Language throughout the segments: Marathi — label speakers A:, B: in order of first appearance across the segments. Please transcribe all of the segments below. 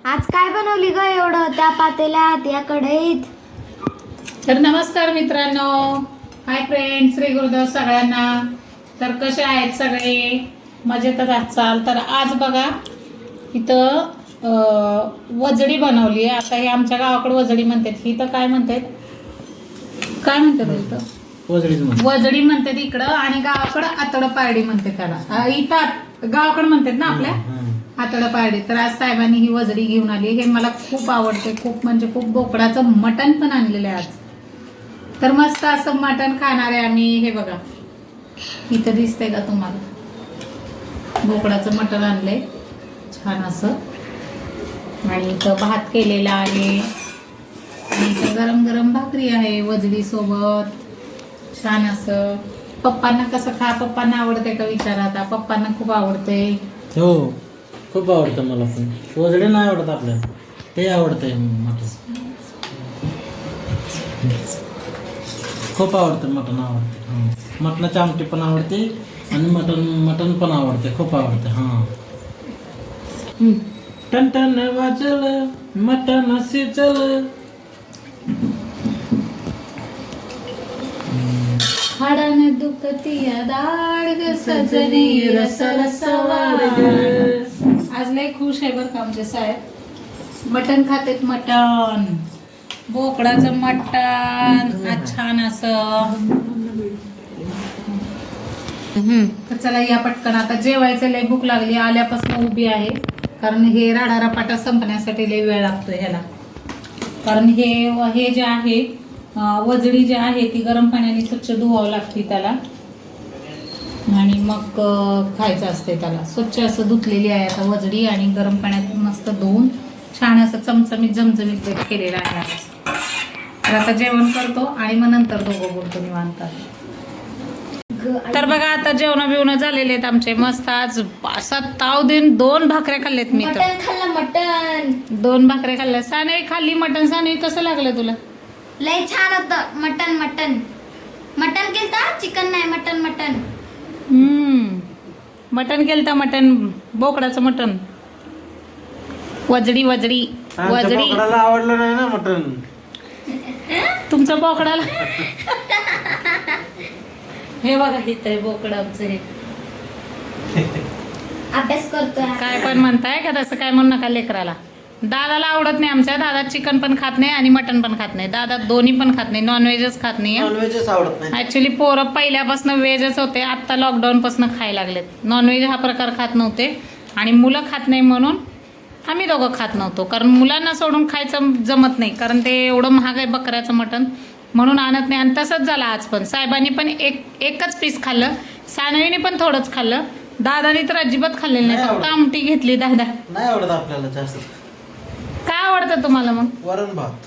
A: आज काय बनवली ग एवढं त्या पातेल्यात या कढईत?
B: तर नमस्कार मित्रांनो, हाय फ्रेंड, श्री गुरुदेव सगळ्यांना. तर कसे आहेत सगळे? मजेतच असाल तर आज बघा इथं वजडी बनवली आहे. आता हे आमच्या गावाकडे वजडी म्हणतात, ही तर काय म्हणतात इथं वजडी म्हणतात इकडं, आणि गावाकडं आतड पारडी म्हणते त्याला. इथं गावाकडे म्हणतात ना आपल्या आतड पारडी. तर आज साहेबांनी ही वजडी घेऊन आली. हे मला खूप आवडते, खूप म्हणजे खूप. बोकडाचं मटण पण आणलेलं आहे आज. तर मस्त असं मटण खाणार आहे आम्ही. हे बघा इथं दिसतंय का तुम्हाला? बोकडाचं मटण आणलंय छान असं, आणि इथं भात केलेला आहे, आणि इथं गरम गरम भाकरी आहे वजडी सोबत छान असं. पप्पांना कसं पप्पांना आवडते का विचारा आता. पप्पांना खूप आवडते.
C: हो, खूप आवडतं मला पण. वजडी नाही आवडत आपल्याला, ते आवडतंय मटण. खूप आवडतं मटण, आवडते. मटणाची आमटी पण आवडते आणि मटण पण आवडते, खूप आवडते. हां, टन वाजल मटण शिजल.
B: हाडाने दुखती दाड ग सजनी रस रसवाड. आज लय खुश आहे बरं का आमचे साहेब. मटण खातेत, मटण, बोकडाचं मटण आज छान असं. तर चला या पटकन आता जेवायचं. लय भूक लागली, आल्यापासून उभी आहे. कारण हे राडारापाटा संपण्यासाठी लय वेळ लागतोय ह्याला. कारण हे जे आहे वजडी जी आहे ती गरम पाण्याने स्वच्छ धुवावं लागते त्याला, आणि मग खायचं असते त्याला. स्वच्छ असं धुतलेली आहे आता वजडी, आणि गरम पाण्यात मस्त धुवून छान असं चमचमीत झमझमीत केलेलं आहे. तर आता जेवण करतो आणि मग नंतर दोघं बोलतो निवांत. तर बघा आता जेवण बिवणं झालेले आहेत आमचे. मस्त आज असा ताव देऊन 2 भाकऱ्या खाल्ल्यात मी. तर
A: मटण खाल्लं, मटण
B: 2 भाकऱ्या खाल्ल्या. सानवी खाल्ली मटण. सानवी कसं लागलं तुला?
A: लय छान होतं. मटण केलता, चिकन नाही, मटण.
B: मटण केलं, मटण, बोकडाचं मटण, वजडी.
C: बोकडाला आवडलं नाही ना मटण.
B: तुमचं बोकडाला हे बघा इथं आहे बोकड आमचं. हे
A: अभ्यास करतोय.
B: काय पण म्हणताय का तसं? काय म्हणू नका लेकराला. दादाला आवडत नाही आमच्या. दादा चिकन पण खात नाही आणि मटण पण खात नाही. दादा दोन्ही पण खात नाही, नॉनव्हेजच खात नाही.
C: नॉनव्हेजच आवडत नाही.
B: ऍक्च्युली पोरं पहिल्यापासून व्हेजच होते, आत्ता लॉकडाऊन पासून खायला लागलेत. नॉनव्हेज हा प्रकार खात नव्हते, आणि मुलं खात नाही म्हणून आम्ही दोघं खात नव्हतो. कारण मुलांना सोडून खायचं जमत नाही, कारण ते एवढं महाग आहे बकऱ्याचं मटण, म्हणून आणत नाही. आणि तसंच झालं आज पण. साहेबांनी पण एकच पीस खाल्लं, सानवीने पण थोडंच खाल्लं, दादाने तर अजिबात खाल्लेलं नाही. फक्त आमटी घेतली. दादा
C: नाही आवडत आपल्याला जास्त.
B: काय आवडतं तुम्हाला मग?
C: वरण भात,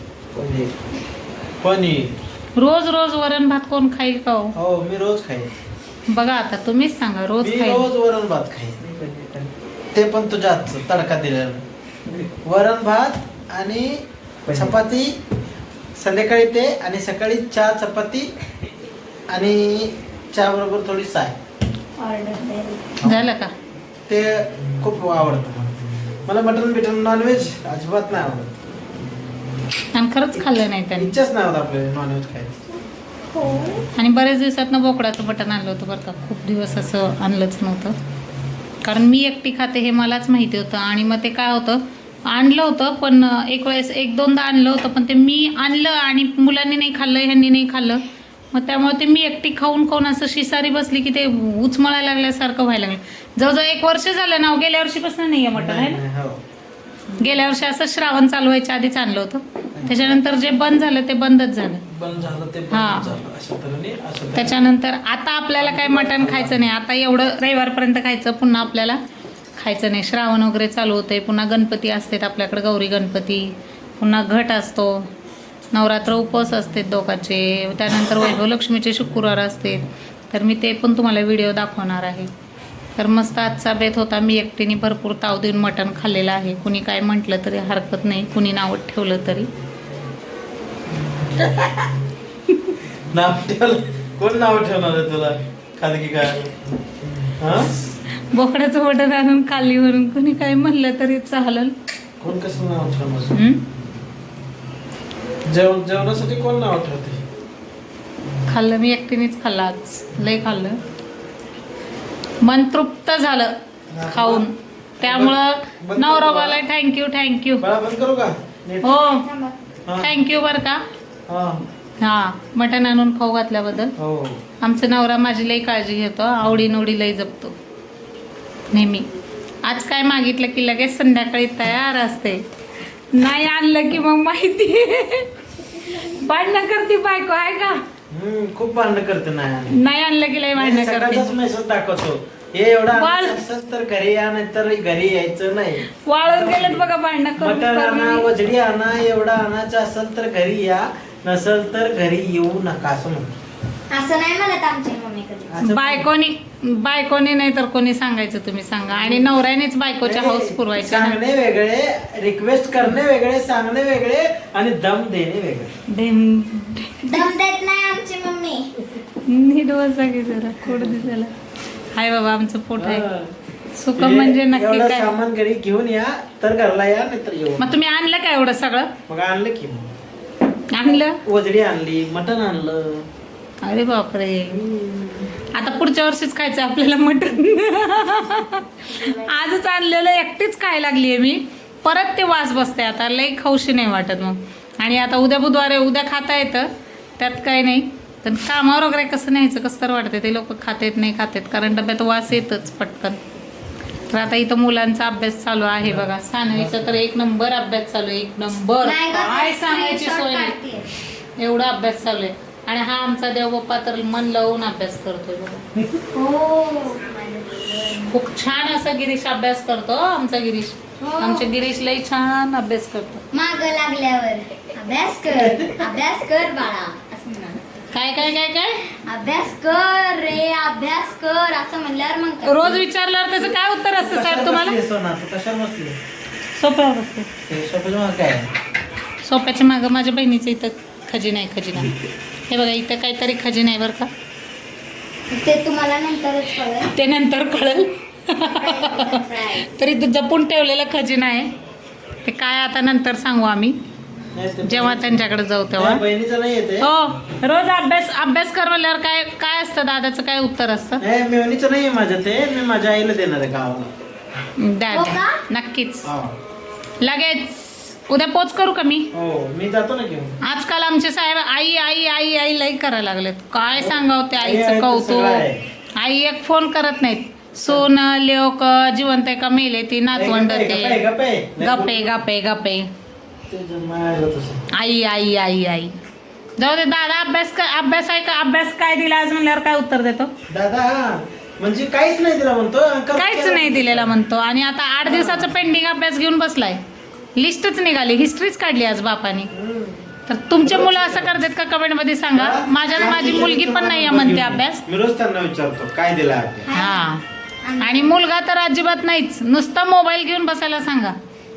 C: पनीर.
B: रोज वरण भात कोण खाईल का हो?
C: हो, मी रोज खाईन.
B: बघा आता तुम्हीच सांगा. रोज
C: मी
B: खाईल?
C: रोज वरण भात खाईन, ते पण तुझ्याच तडका दिलेला. वरण भात आणि चपाती संध्याकाळी, ते आणि सकाळी चहा, चपाती आणि चहा बरोबर थोडी साय.
B: झालं का?
C: ते खूप आवडतं मला. मटन बिटन नॉनव्हेज अजिबात नाही आवडत,
B: आणि खरंच खाल्लं नाही त्यांनी.
C: इच्छाच नाही होत आपल्याला नॉनव्हेज खायचं.
B: आणि बरेच दिवसातनं बोकडाचं मटण आणलं होतं बरं का. खूप दिवस असं आणलंच नव्हतं, कारण मी एकटी खाते हे मलाच माहिती होतं. आणि मग ते काय होतं, आणलं होतं पण एक वेळेस 1-2दा आणलं होतं, पण ते मी आणलं आणि मुलांनी नाही खाल्लं, ह्यांनी नाही खाल्लं. मग त्यामुळे ते मी एकटी खाऊन असं शिसारी बसली की ते उचमळायला लागल्यासारखं व्हायला लागलं. जवळजवळ 1 वर्ष झालं ना. गेल्या वर्षीपासून नाही आहे मटण आहे ना. गेल्या वर्षी असं श्रावण चालू व्हायच्या आधीच आणलं होतं. त्याच्यानंतर जे बंद झालं ते बंदच झालं. त्याच्यानंतर आता आपल्याला काय मटण खायचं नाही. आता एवढं रविवारपर्यंत खायचं, पुन्हा आपल्याला खायचं नाही. श्रावण वगैरे चालू होते, पुन्हा गणपती असतात आपल्याकडे, गौरी गणपती, पुन्हा घट असतो, नवरात्र उपवास असते दोघांचे, त्यानंतर वैभव लक्ष्मीचे शुक्रवार असते. तर मी ते पण तुम्हाला व्हिडिओ दाखवणार आहे. तर मस्त आजचा बेत होता. मी एकटीने भरपूर ताव देऊन मटण खाल्लेलं आहे. कुणी काय म्हटलं तरी हरकत नाही, कुणी नाव ठेवलं तरी.
C: कोण नाव ठेवणार आहे तुला? खाली की काय?
B: बोकड्याचं मटण आणून खाल्ली म्हणून कुणी काय म्हणलं तरी चालेल.
C: कोण कसं नाव ठेवणार?
B: हम्म?
C: जेवणासाठी कोण नाव ठेवते?
B: खाल्लं मी एकटीनेच खाल्लं आज, लय खाल्लं, मन तृप्त झालं खाऊन. त्यामुळं नवरोबाला थँक्यू.
C: बाळा बंद करू का? नीट.
B: हो
C: हा.
B: थँक्यू बरं का.
C: हा.
B: हा, मटण आणून खाऊ घातल्याबद्दल.
C: हो.
B: आमचा नवरा माझी लई काळजी घेतो, आवडी लई जपतो नेहमी. आज काय मागितलं की लगेच संध्याकाळी तयार असते, नाही आणलं की मग माहिती भांडणं करते बायको आहे का.
C: खूप भांडण करते
B: नाही आणलं की लई भांडणं करते.
C: मेसेज दाखवतो हे एवढा
B: वाळ-
C: असेल तर घरी या, नाहीतर घरी यायचं नाही.
B: वाळून गेलेत बघा भांडणं
C: मटण आणा,
B: करून.
C: वजडी आणा, एवढा आणायचं असेल तर घरी या, नसेल तर घरी येऊ नका असं म्हणतो.
A: असं नाही म्हणत आमची मम्मी कधी.
C: असं
B: बायकोनी नाही तर कोणी सांगायचं, तुम्ही सांगा. आणि नवऱ्यानेच बायकोच्या हाऊस पुरवायच्या ना.
C: सांगणे वेगळे, रिक्वेस्ट करणे वेगळे, सांगणे वेगळे आणि दम देणे वेगळे.
A: दम देत नाही आमची मम्मी.
B: नीट बसा की जरा, कोड दिसायला. हाय बाबा, आमचं पोट आहे. सुख
C: हे
B: म्हणजे नक्की
C: एवढं
B: काय.
C: सामान घरी घेऊन या, तर घरला या, नाहीतर येऊ.
B: मग तुम्ही आणलं काय एवढं सगळं?
C: मग आणलं की मग.
B: आणलं?
C: वजडी आणली, मटण आणलं.
B: अरे बापरे, आता पुढच्या वर्षीच खायचं आपल्याला मटण. आजच आणलेलं एकटीच खायला लागलीये मी. परत ते वास बसते, आता लई खाऊशी नाही वाटत मग. आणि आता उद्या बुधवार आहे, उद्या खाता येतं, त्यात काही नाही. पण कामावर वगैरे कसं न्यायचं, कसं तर वाटतं. ते लोक खातेत नाही खातेत, कारण डब्यात वास येतच पटकन. तर आता इथं मुलांचा अभ्यास चालू आहे बघा. सानवीचा तर 1 नंबर अभ्यास चालू आहे, 1 नंबर.
A: नाही गं,
B: काय सांगायची
A: screenshot
B: सोय नाही,
A: काढतेय.
B: एवढा अभ्यास चालू आहे. आणि हा आमचा देवबाप्पा तर मन लावून अभ्यास करतोय बघा.
A: हो माझं देव.
B: खूप छान असा गिरीश अभ्यास करतो आमचा गिरीश.
A: हो.
B: आमच्या गिरीश लई छान अभ्यास करतो.
A: माग लागल्यावर अभ्यास कर बाळा असं म्हणाल.
B: काय काय काय काय
A: अभ्यास कर रे, अभ्यास कर असं म्हणल्यावर मग कर.
B: रोज विचारल्यावर त्याचं काय उत्तर असतं साहेब तुम्हाला?
C: सोना तू कशावर बसली?
B: सोप्यावर असते.
C: ते सोप्याचं मग काय?
B: सोप्याच्या मागं माझ्या बहिणीचं इथं खजिना आहे, खजिना. हे बघा, इथं काहीतरी खजिना आहे बरं का.
A: ते तुम्हाला नंतरच कळेल.
B: ते नंतर कळेल.
A: Surprise.
B: तरी तो जपून ठेवलेला खजिना आहे. ते काय आता नंतर सांगू आम्ही,
C: नाही ते-
B: जेव्हा त्यांच्याकडे जाऊ तेव्हा.
C: नाही, बहिणीचं नाही येते.
B: हो, रोज अभ्यास करवल्यावर काय काय असतं दादाचं, काय उत्तर असतं?
C: नाही मेवणीचं नाही माझं ते, मी माझ्या आईला देणार आहे गावाला.
B: द्या
A: हो
B: द्या.
A: का?
B: नक्कीच.
C: हा.
B: लगेच उद्या पोच करू का मी?
C: हो मी जातो ना घेऊन.
B: आजकाल आमचे साहेब आई आई आई आई लई करायला लागलेत. काय सांगावं ते
C: आई
B: आईचं
C: तर सगळं
B: कौतुक.
C: आहे.
B: आई एक फोन करत नाहीत. सोन लेक जिवंत आहे का मेले ती नातवंड
C: गप्पे,
B: ते
C: गप्पे, गप्पे.
B: गप्पे गप्पे गप्पे.
C: ते जमायला तसं.
B: आई आई आई आई. जाऊ दे दादा, अभ्यास आहे का, अभ्यास काय दिला आज म्हणल्यावर काय उत्तर देतो?
C: दादा म्हणजे काहीच नाही दिला म्हणतो.
B: काहीच नाही दिलेला म्हणतो. आणि आता 8 दिवसाचा पेंडिंग अभ्यास घेऊन बसलाय. लिस्टच निघाली, हिस्ट्रीच काढली आज बापाने. तर तुमचे मुलं असं करतात का, कमेंट मध्ये सांगा. माझी मुलगी पण नाही म्हणते अभ्यास.
C: मी रोज त्यांना विचारतो काय दिला अभ्यास.
B: हा, आणि मुलगा तर अजिबात नाहीच, नुसतं मोबाईल घेऊन बसायला सांगा.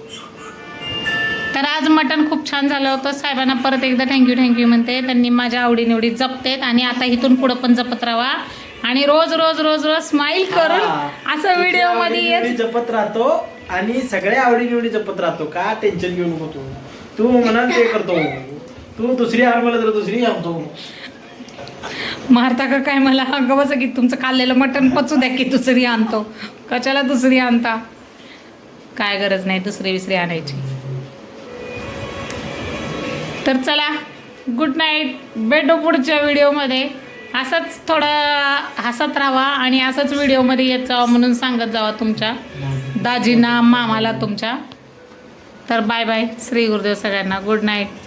B: तर आज मटण खूप छान झालं होतं. साहेबांना परत एकदा थँक्यू म्हणते. त्यांनी माझ्या आवडीनिवडी जपतेत आणि आता इथून पुढं पण जपत राहा. आणि रोज रोज रोज रोज स्माइल करून असं व्हिडिओ मध्ये
C: आवडीनिवडी जपत राहतो आणि सगळ्या आवडीनिवडी जपत राहतो. का टेन्शन घेऊ नको तू म्हणाल ते करतो. तू दुसरी आण मला तर दुसरी आणतो.
B: मारता का काय मला? अगं बस की तुमचं खाल्लेलं मटण पचू द्या की दुसरी आणतो. कशाला दुसरी आणता? काय गरज नाही दुसरी विसरी आणायची. तर चला, गुड नाईट. भेटू पुढच्या व्हिडिओमध्ये. असंच थोडं हसत राहा आणि असंच व्हिडिओमध्ये येत जावा म्हणून सांगत जावा तुमच्या दाजींना, मामाला तुमच्या. तर बाय बाय. श्री गुरुदेव सगळ्यांना. Good night.